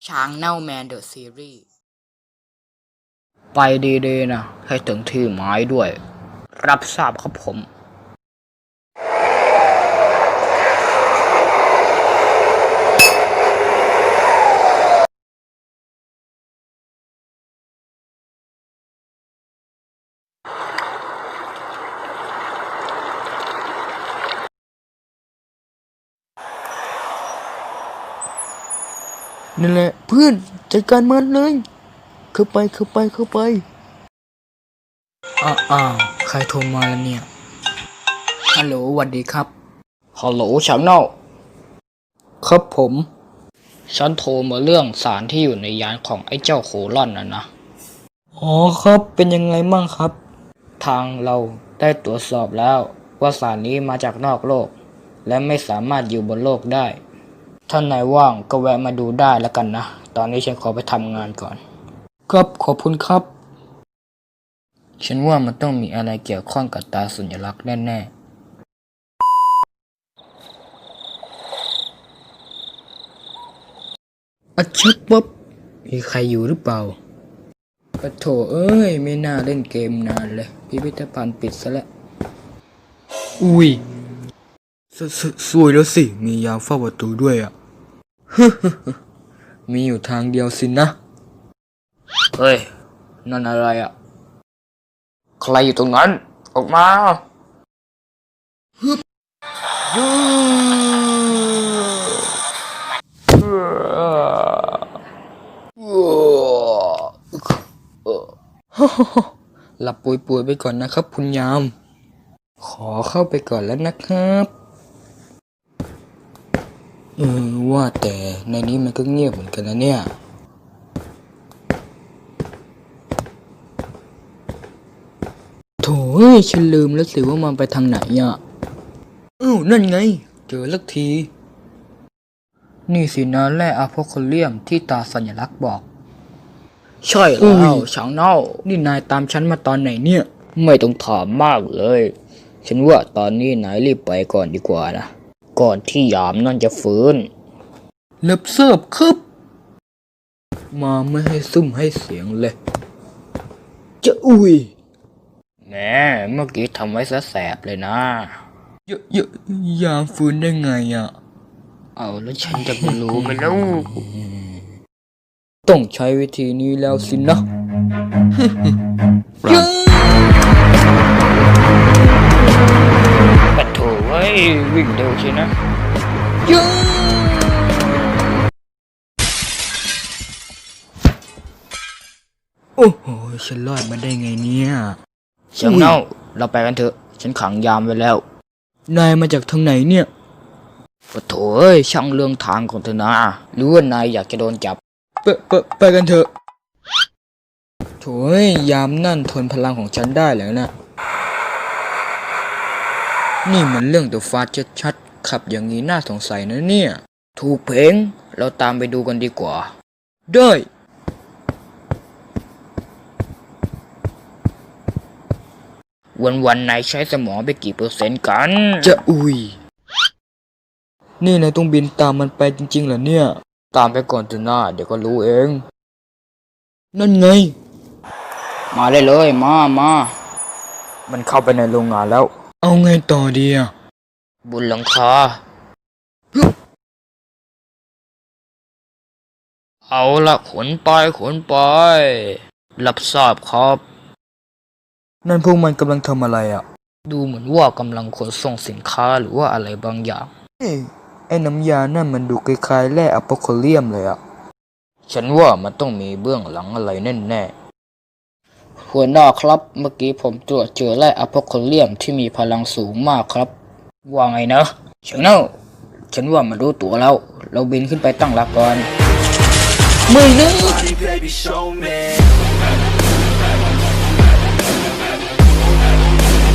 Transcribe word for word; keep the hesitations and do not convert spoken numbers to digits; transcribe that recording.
ช้างเน่าแมนเดอะซีรีส์ไปดีๆนะให้ถึงที่หมายด้วยรับทราบครับผมนั่นแหละเพื่อนจัดการมันเลยเข้าไปเข้าไปเข้าไปอ้าวอ้าวใครโทรมาแล้วเนี่ยฮัลโหลสวัสดีครับฮัลโหลฉันเนาครับผมฉันโทรมาเรื่องสารที่อยู่ในยานของไอ้เจ้าโคลอนน่ะนะอ๋อครับเป็นยังไงมั่งครับทางเราได้ตรวจสอบแล้วว่าสารนี้มาจากนอกโลกและไม่สามารถอยู่บนโลกได้ท่านนายว่างก็แวะมาดูได้แล้วกันนะตอนนี้ฉันขอไปทำงานก่อนครับขอบคุณครับฉันว่ามันต้องมีอะไรเกี่ยวข้องกับตาสัญลักษณ์แน่ๆอัจฉริยะมีใครอยู่หรือเปล่าปะโถเอ้ยไม่น่าเล่นเกมนานเลยพิพิธภัณฑ์ปิดซะแล้วอุ้ยสสสวยแล้วสิมียามเฝ้าประตูด้วยอ่ะมีอยู่ทางเดียวสินะเฮ้ยนั่นอะไรอ่ะใครอยู่ตรงนั้นออกมาฮึบยูหลับป่วยๆไปก่อนนะครับคุณยามขอเข้าไปก่อนแล้วนะครับเออว่าแต่ในนี้มันก็เงียบเหมือนกันนะเนี่ยโถ่เอ้ยฉันลืมแล้วสิว่ามันไปทางไหนอ่ะอ้าวนั่นไงเจอลักทีนี่สินะแร่อะโพคาเลียมที่ตาสัญลักษณ์บอกใช่แล้วช้างเน่านี่นายตามฉันมาตอนไหนเนี่ยไม่ต้องถามมากเลยฉันว่าตอนนี้นายรีบไปก่อนดีกว่านะก่อนที่ยามนั่นจะฟื้นเล็บเสิร์ฟครับมาไม่ให้ซุ่มให้เสียงเลยจะอุ้ยแหมเมื่อกี้ทำไว้ซะแสบเลยนะเยอะเยอะยามฟื้นได้ไงอ่ะเอาแล้วฉันจะไปรู้ไหมล่ะต้องใช้วิธีนี้แล้วสินะปัดโถเว้ยวิ่งเร็วใช่นะโอ้โหฉันรอดมาได้ไงเนี่ยเสียงเน่าเราไปกันเถอะฉันขังยามไว้แล้วนายมาจากทางไหนเนี่ยปัดโถเอ้ยช่างเรื่องทางของเธอนะหรือว่านายอยากจะโดนจับไปไปไปกันเถอะโถ่ยามนั่นทนพลังของฉันได้แล้วนะนี่มันเรื่องตัวฟ้าชัดๆขับอย่างนี้น่าสงสัยนะเนี่ยถูกเพลงเราตามไปดูกันดีกว่าได้วันวันนายใช้สมองไปกี่เปอร์เซ็นต์กันจะอุ้ยนี่นายต้องบินตามมันไปจริงๆเหรอเนี่ยตามไปก่อนเถอะนะเดี๋ยวก็รู้เองนั่นไงมาได้เลยมามามันเข้าไปในโรงงานแล้วเอาไงต่อดีอ่ะบนหลังคาเอาละขนไปขนไปรับทราบครับนั่นพวกมันกำลังทำอะไรอ่ะดูเหมือนว่ากำลังขนส่งสินค้าหรือว่าอะไรบางอย่างเอ้ไอ้น้ำยานั่นมันดูคล้ายๆแร่อะโพคาเลียมเลยอ่ะฉันว่ามันต้องมีเบื้องหลังอะไรแน่ๆหัวหน้าครับเมื่อกี้ผมตรวจเจอแร่อะโพคาเลียมที่มีพลังสูงมากครับว่าไงนะเชิงเน่าฉันว่ามันรู้ตัวแล้วเราบินขึ้นไปตั้งหลักก่อนไม่นะ